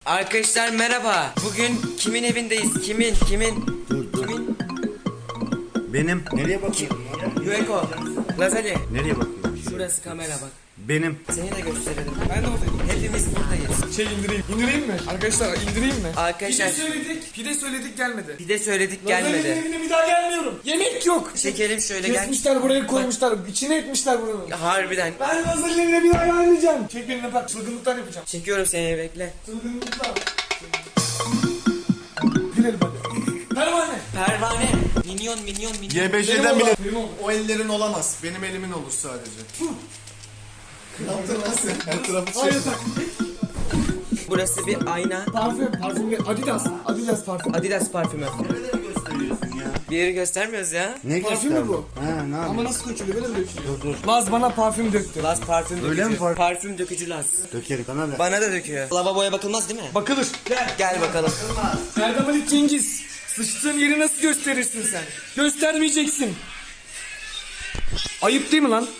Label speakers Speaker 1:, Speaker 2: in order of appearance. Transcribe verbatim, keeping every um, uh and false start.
Speaker 1: Arkadaşlar merhaba. Bugün kimin evindeyiz? Kimin? Kimin?
Speaker 2: Dur dur.
Speaker 1: Kimin?
Speaker 2: Benim. Nereye bakıyorsun?
Speaker 1: Yueko. Lazali.
Speaker 2: Nereye bakıyorsun?
Speaker 1: Şurası kamera bak.
Speaker 2: Benim.
Speaker 1: Seni de gösterelim.
Speaker 3: Ben de buradayım.
Speaker 1: Hepimiz buradayız.
Speaker 3: Şey indireyim. İndireyim mi? Arkadaşlar indireyim mi?
Speaker 1: Arkadaşlar-
Speaker 3: Pide söyledik. Pide söyledik gelmedi.
Speaker 1: Bir de söyledik
Speaker 3: Lazer'in
Speaker 1: gelmedi.
Speaker 3: evine bir daha gelmiyorum. Yemek yok.
Speaker 1: Çekelim şöyle gel.
Speaker 3: Kesmişler buraya koymuşlar. İçine etmişler buranın.
Speaker 1: Harbiden.
Speaker 3: Ben Lazer'in evine bir daha gelmeyeceğim. Çek benimle bak. Çılgınlıklar yapacağım.
Speaker 1: Çekiyorum seni bekle.
Speaker 3: Çılgınlıklar. Gülelim hadi. Pervane.
Speaker 1: Pervane. Minyon minyon minyon.
Speaker 3: Benim
Speaker 4: Y B J'den
Speaker 3: oğlan,
Speaker 4: bile
Speaker 3: benim oğlan.
Speaker 4: o ellerin olamaz. Benim elimin olur sadece. Ne yaptın lan sen? Her tarafı
Speaker 3: Hayır
Speaker 4: çek.
Speaker 3: tak.
Speaker 1: Burası bir ayna.
Speaker 3: Parfüm. Parfüm. Adidas. Adidas parfüm.
Speaker 1: Adidas parfümü.
Speaker 2: Nereleri gösteriyorsun ya?
Speaker 1: Bir yeri göstermiyoruz ya.
Speaker 2: Ne
Speaker 3: Parfüm mü
Speaker 2: gösterdin?
Speaker 3: bu?
Speaker 2: Ha ne
Speaker 3: Ama
Speaker 2: yapıyorsun?
Speaker 3: nasıl dökülüyor? Böyle mi dökülüyor?
Speaker 2: Dur dur.
Speaker 3: Laz bana parfüm döktü.
Speaker 1: Laz parfüm dökücü.
Speaker 2: Öyle mi parfüm?
Speaker 1: Parfüm dökücü Laz.
Speaker 2: Dökerim bana da.
Speaker 1: Bana da döküyor. Lavaboya bakılmaz değil mi?
Speaker 3: Bakılır. Gel.
Speaker 1: Gel bakalım.
Speaker 3: Erdem Ali Cengiz. Sıçtığın yeri nasıl gösterirsin sen? Göstermeyeceksin. Ayıp değil mi lan?